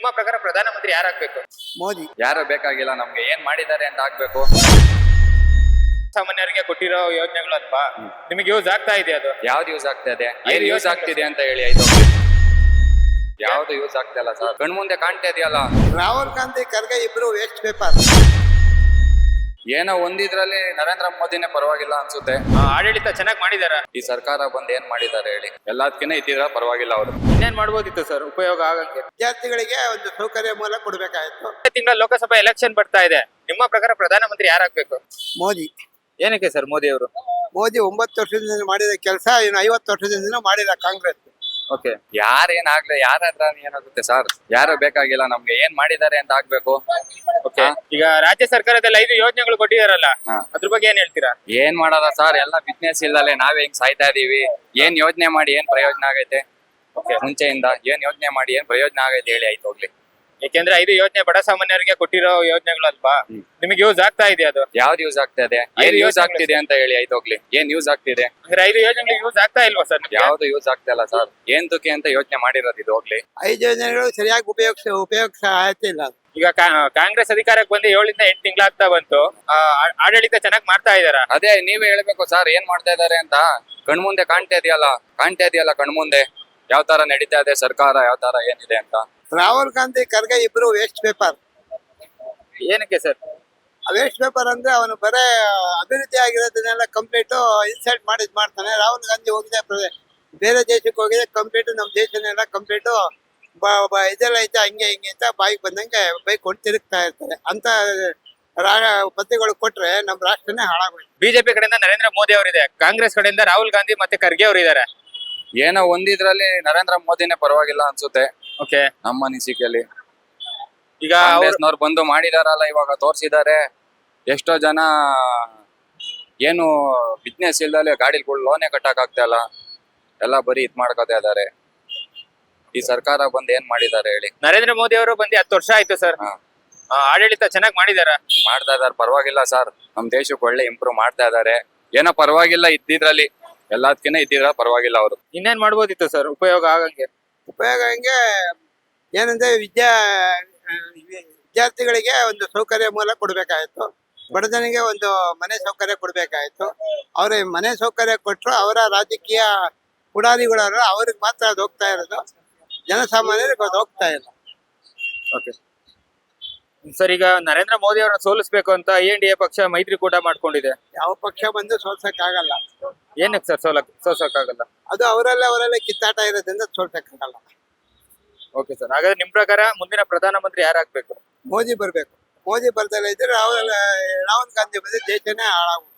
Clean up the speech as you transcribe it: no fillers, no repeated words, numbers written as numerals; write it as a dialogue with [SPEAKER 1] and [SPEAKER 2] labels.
[SPEAKER 1] ನಿಮ್ಮ ಪ್ರಕಾರ ಪ್ರಧಾನಮಂತ್ರಿ ಯಾರಾಗ್ಬೇಕು?
[SPEAKER 2] ಮೋದಿ.
[SPEAKER 3] ಯಾರು ಬೇಕಾಗಿಲ್ಲ, ನಮ್ಗೆ ಏನ್ ಮಾಡಿದ್ದಾರೆ ಅಂತ ಆಗ್ಬೇಕು.
[SPEAKER 1] ಸಾಮಾನ್ಯರಿಗೆ ಕೊಟ್ಟಿರೋ ಯೋಜನೆಗಳು ಅಲ್ವಾ, ನಿಮಗೆ ಯೂಸ್ ಆಗ್ತಾ ಇದೆ ಅದು?
[SPEAKER 3] ಯಾವ್ದು ಯೂಸ್ ಆಗ್ತಾ ಇದೆ, ಏನ್
[SPEAKER 1] ಐದು
[SPEAKER 3] ಯೂಸ್
[SPEAKER 1] ಯೋಜನೆ
[SPEAKER 3] ಆಗ್ತಿದೆ ಅಂತ ಹೇಳಿ ಆಯ್ತು. ಯಾವ್ದು ಯೂಸ್ ಆಗ್ತಾ ಇಲ್ಲ ಸರ್, ಕಣ್ಮುಂದೆ ಕಾಣ್ತಾ ಇದೆಯಲ್ಲ.
[SPEAKER 2] ರಾಹುಲ್ ಗಾಂಧಿ ಖರ್ಗೆ ಇಬ್ರು ವೇಸ್ಟ್ ಪೇಪರ್.
[SPEAKER 3] ಏನೋ ಒಂದಿದ್ರಲ್ಲಿ ನರೇಂದ್ರ ಮೋದಿನೇ ಪರವಾಗಿಲ್ಲ ಅನ್ಸುತ್ತೆ.
[SPEAKER 1] ಆಡಳಿತ ಚೆನ್ನಾಗಿ ಮಾಡಿದಾರ?
[SPEAKER 3] ಈ ಸರ್ಕಾರ ಬಂದ್ ಏನ್ ಮಾಡಿದ್ದಾರೆ ಹೇಳಿ, ಎಲ್ಲದಕ್ಕಿಂತ ಇದ್ದಿದ್ರ ಪರವಾಗಿಲ್ಲ ಅವರು.
[SPEAKER 1] ಇನ್ನೇನ್ ಮಾಡ್ಬೋದಿತ್ತು ಸರ್ ಉಪಯೋಗ ಆಗಂಗೆ?
[SPEAKER 2] ವಿದ್ಯಾರ್ಥಿಗಳಿಗೆ ಒಂದು ಸೌಕರ್ಯ ಮೂಲ ಕೊಡ್ಬೇಕಾಯ್ತು.
[SPEAKER 1] ತಿಂಗಳ ಲೋಕಸಭಾ ಎಲೆಕ್ಷನ್ ಬರ್ತಾ ಇದೆ, ನಿಮ್ಮ ಪ್ರಕಾರ ಪ್ರಧಾನಮಂತ್ರಿ ಯಾರಾಗ್ಬೇಕು?
[SPEAKER 2] ಮೋದಿ.
[SPEAKER 1] ಏನಕ್ಕೆ ಸರ್ ಮೋದಿ ಅವರು?
[SPEAKER 2] ಮೋದಿ 9 ವರ್ಷದಿಂದ ಮಾಡಿದ ಕೆಲಸ ಇನ್ನು 50 ವರ್ಷದಿಂದ ಮಾಡಿದ ಕಾಂಗ್ರೆಸ್.
[SPEAKER 1] ಓಕೆ,
[SPEAKER 3] ಯಾರೇನಾಗ್ಲಿ, ಯಾರ ಹತ್ರ ಏನಾಗುತ್ತೆ ಸರ್, ಯಾರು ಬೇಕಾಗಿಲ್ಲ, ನಮ್ಗೆ ಏನ್ ಮಾಡಿದ್ದಾರೆ ಅಂತ ಆಗ್ಬೇಕು.
[SPEAKER 1] ಓಕೆ. ಈಗ ರಾಜ್ಯ ಸರ್ಕಾರದಲ್ಲಿ 5 ಯೋಜನೆಗಳು ಕೊಟ್ಟಿದಾರಲ್ಲ,
[SPEAKER 3] ಹಾ.
[SPEAKER 1] ಅದ್ರ ಬಗ್ಗೆ ಏನ್ ಹೇಳ್ತೀರಾ?
[SPEAKER 3] ಏನ್ ಮಾಡಲ್ಲ ಸರ್, ಎಲ್ಲ ಬಿಸ್ನೆಸ್ ಇಲ್ಲದೆ ನಾವೇ ಹಿಂಗ್ ಸಾಯ್ತಾ ಇದೀವಿ. ಏನ್ ಯೋಜನೆ ಮಾಡಿ ಏನ್ ಪ್ರಯೋಜನ ಆಗೈತೆ? ಮುಂಚೆಯಿಂದ ಏನ್ ಯೋಜನೆ ಮಾಡಿ ಏನ್ ಪ್ರಯೋಜನ ಆಗೈತೆ ಹೇಳಿ ಆಯ್ತು ಹೋಗ್ಲಿ.
[SPEAKER 1] ಯಾಕೆಂದ್ರೆ 5 ಯೋಜನೆ ಬಡ ಸಾಮಾನ್ಯರಿಗೆ ಕೊಟ್ಟಿರೋ ಯೋಜನೆಗಳು ಅಲ್ವಾ, ನಿಮಗೆ ಯೂಸ್ ಆಗ್ತಾ ಇದೆ ಅದು?
[SPEAKER 3] ಯಾವ್ದು ಯೂಸ್ ಆಗ್ತಾ ಇದೆ, ಏನ್ ಯೂಸ್ ಆಗ್ತಿದೆ ಅಂತ ಹೇಳಿ ಆಯ್ತು ಹೋಗ್ಲಿ. ಏನ್ ಯೂಸ್ ಆಗ್ತಿದೆ?
[SPEAKER 1] ಅಂದ್ರೆ 5 ಯೋಜನೆಗಳು ಯೂಸ್ ಆಗ್ತಾ ಇಲ್ವಾ ಸರ್?
[SPEAKER 3] ಯಾವ್ದು ಯೂಸ್ ಆಗ್ತಾ ಇಲ್ಲ ಸರ್, ಏನ್ ತುಕಿ ಅಂತ ಯೋಚನೆ ಮಾಡಿರೋದು ಇದು ಹೋಗ್ಲಿ.
[SPEAKER 2] 5 ಯೋಜನೆಗಳು ಸರಿಯಾಗಿ ಉಪಯೋಗಿಸ ಆಯ್ತಿಲ್ಲ.
[SPEAKER 1] ಈಗ ಕಾಂಗ್ರೆಸ್ ಅಧಿಕಾರಕ್ಕೆ ಬಂದು 7 ಇಂದ 8 ತಿಂಗಳಾಗ್ತಾ ಬಂತು. ಆಡಳಿತ ಚೆನ್ನಾಗಿ ಮಾಡ್ತಾ ಇದಾರ?
[SPEAKER 3] ಅದೇ ನೀವೇ ಹೇಳ್ಬೇಕು ಸರ್, ಏನ್ ಮಾಡ್ತಾ ಇದಾರೆ ಅಂತ. ಕಣ್ಮುಂದೆ ಕಾಣ್ತಾ ಇದೆಯಲ್ಲ ಕಣ್ಮುಂದೆ ಯಾವ ತರ ನಡೀತಾ ಇದೆ ಸರ್ಕಾರ, ಯಾವ ತರ ಏನಿದೆ ಅಂತ.
[SPEAKER 2] ರಾಹುಲ್ ಗಾಂಧಿ ಖರ್ಗೆ ಇಬ್ರು ವೇಸ್ಟ್ ಪೇಪರ್.
[SPEAKER 1] ಏನಕ್ಕೆ ಸರ್?
[SPEAKER 2] ವೇಸ್ಟ್ ಪೇಪರ್ ಅಂದ್ರೆ ಅವನು ಬರೇ ಅಭಿವೃದ್ಧಿ ಆಗಿರೋದನ್ನೆಲ್ಲ ಕಂಪ್ಲೀಟ್ ಇನ್ಸಲ್ಟ್ ಮಾಡ್ತಾನೆ. ರಾಹುಲ್ ಗಾಂಧಿ ಹೋಗಿದೆ ಬೇರೆ ದೇಶಕ್ಕೆ ಹೋಗಿದೆ, ಕಂಪ್ಲೀಟ್ ನಮ್ಮ ದೇಶನೆಲ್ಲ ಕಂಪ್ಲೀಟ್ ಇದೆಲ್ಲ ಐತೆ ಹಂಗೆ ಹಿಂಗೆ ಅಂತ ಬಾಯಿಗೆ ಬಂದಂಗೆ ಬೈಕೊಂಡು ತಿರುಗ್ತಾ ಇರ್ತಾರೆ. ಅಂತ ಪದ್ಯಗಳು ಕೊಟ್ರೆ ನಮ್ಮ ರಾಷ್ಟ್ರನೇ ಹಾಳಾಗೋಯ್ತು.
[SPEAKER 1] ಬಿಜೆಪಿ ಕಡೆಯಿಂದ ನರೇಂದ್ರ ಮೋದಿ ಅವರಿದೆ, ಕಾಂಗ್ರೆಸ್ ಕಡೆಯಿಂದ ರಾಹುಲ್ ಗಾಂಧಿ ಮತ್ತೆ ಖರ್ಗೆ ಅವರು ಇದಾರೆ.
[SPEAKER 3] ಏನೋ ಒಂದಿದ್ರಲ್ಲಿ ನರೇಂದ್ರ ಮೋದಿನೇ ಪರವಾಗಿಲ್ಲ ಅನ್ಸುತ್ತೆ
[SPEAKER 1] ಓಕೆ,
[SPEAKER 3] ನಮ್ಮ ಅನಿಸಿಕೆಯಲ್ಲಿ.
[SPEAKER 1] ಈಗ
[SPEAKER 3] ಕಾಂಗ್ರೆಸ್ನವ್ರು ಬಂದು ಮಾಡಿದಾರಲ್ಲ, ಇವಾಗ ತೋರ್ಸಿದ್ದಾರೆ. ಎಷ್ಟೋ ಜನ ಏನು ಬಿಸ್ನೆಸ್ ಇಲ್ದಲೆ ಗಾಡಿಗಳು ಲೋನೇ ಕಟ್ಟಕ್ ಆಗ್ತಾ ಇಲ್ಲ, ಎಲ್ಲ ಬರೀ ಇದ್ ಮಾಡ್ಕೋತಾ ಇದಾರೆ. ಈ ಸರ್ಕಾರ ಬಂದ್ ಏನ್ ಮಾಡಿದ್ದಾರೆ ಹೇಳಿ.
[SPEAKER 1] ನರೇಂದ್ರ ಮೋದಿ ಅವರು ಬಂದು 10 ವರ್ಷ ಆಯ್ತು ಸರ್.
[SPEAKER 3] ಹಾ.
[SPEAKER 1] ಆಡಳಿತ ಚೆನ್ನಾಗಿ ಮಾಡಿದಾರ?
[SPEAKER 3] ಮಾಡ್ತಾ ಇದಾರೆ, ಪರವಾಗಿಲ್ಲ ಸರ್. ನಮ್ ದೇಶಕ್ಕೆ ಒಳ್ಳೆ ಇಂಪ್ರೂವ್ ಮಾಡ್ತಾ ಇದಾರೆ. ಏನೋ ಪರವಾಗಿಲ್ಲ ಇದ್ದಿದ್ರಲ್ಲಿ, ಎಲ್ಲದಕ್ಕಿಂತ ಇದ್ದಿದ್ರ ಪರವಾಗಿಲ್ಲ ಅವರು.
[SPEAKER 1] ಇನ್ನೇನ್ ಮಾಡ್ಬೋದಿತ್ತು ಸರ್ ಉಪಯೋಗ ಆಗಂಗೆ?
[SPEAKER 2] ಉಪಯೋಗ ಹಂಗೆ ಏನಂದ್ರೆ ವಿದ್ಯಾರ್ಥಿಗಳಿಗೆ ಒಂದು ಸೌಕರ್ಯ ಮೂಲ ಕೊಡ್ಬೇಕಾಯ್ತು. ಬಡಜನಿಗೆ ಒಂದು ಮನೆ ಸೌಕರ್ಯ ಕೊಡ್ಬೇಕಾಯ್ತು. ಅವ್ರ ಮನೆ ಸೌಕರ್ಯ ಕೊಟ್ಟರು ಅವರ ರಾಜಕೀಯ ಪುಡಾರಿಗಳವರು ಅವ್ರಿಗೆ ಮಾತ್ರ ಅದು ಹೋಗ್ತಾ ಇರೋದು, ಜನಸಾಮಾನ್ಯರಿಗೆ ಅದು ಹೋಗ್ತಾ ಇಲ್ಲ.
[SPEAKER 1] ಓಕೆ ಸರ್, ಈಗ ನರೇಂದ್ರ ಮೋದಿ ಅವರನ್ನ ಸೋಲಿಸ್ಬೇಕು ಅಂತ ಎನ್ಡಿಎ ಪಕ್ಷ ಮೈತ್ರಿಕೂಟ ಮಾಡ್ಕೊಂಡಿದೆ.
[SPEAKER 2] ಯಾವ ಪಕ್ಷ ಬಂದು ಸೋಲ್ಸಕ್ಕಾಗಲ್ಲ.
[SPEAKER 1] ಏನಕ್ಕೆ ಸರ್ ಸೋಲ್ಸಕ್ಕಾಗಲ್ಲ?
[SPEAKER 2] ಅದು ಅವರಲ್ಲೇ ಕಿತ್ತಾಟ ಇರೋದ್ರಿಂದ ಸೋಲ್ಸಕ್ಕಾಗಲ್ಲ.
[SPEAKER 1] ಓಕೆ ಸರ್, ಹಾಗಾದ್ರೆ ನಿಮ್ ಪ್ರಕಾರ ಮುಂದಿನ ಪ್ರಧಾನಮಂತ್ರಿ ಯಾರಾಗ್ಬೇಕು?
[SPEAKER 2] ಮೋದಿ ಬರ್ಬೇಕು. ಮೋದಿ ಬರ್ದಲ್ಲ ಇದ್ರೆ ರಾಹುಲ್ ಗಾಂಧಿ ಬಂದ್ರೆ ದೇಶನೇ ಹಾಳಾಗುತ್ತೆ.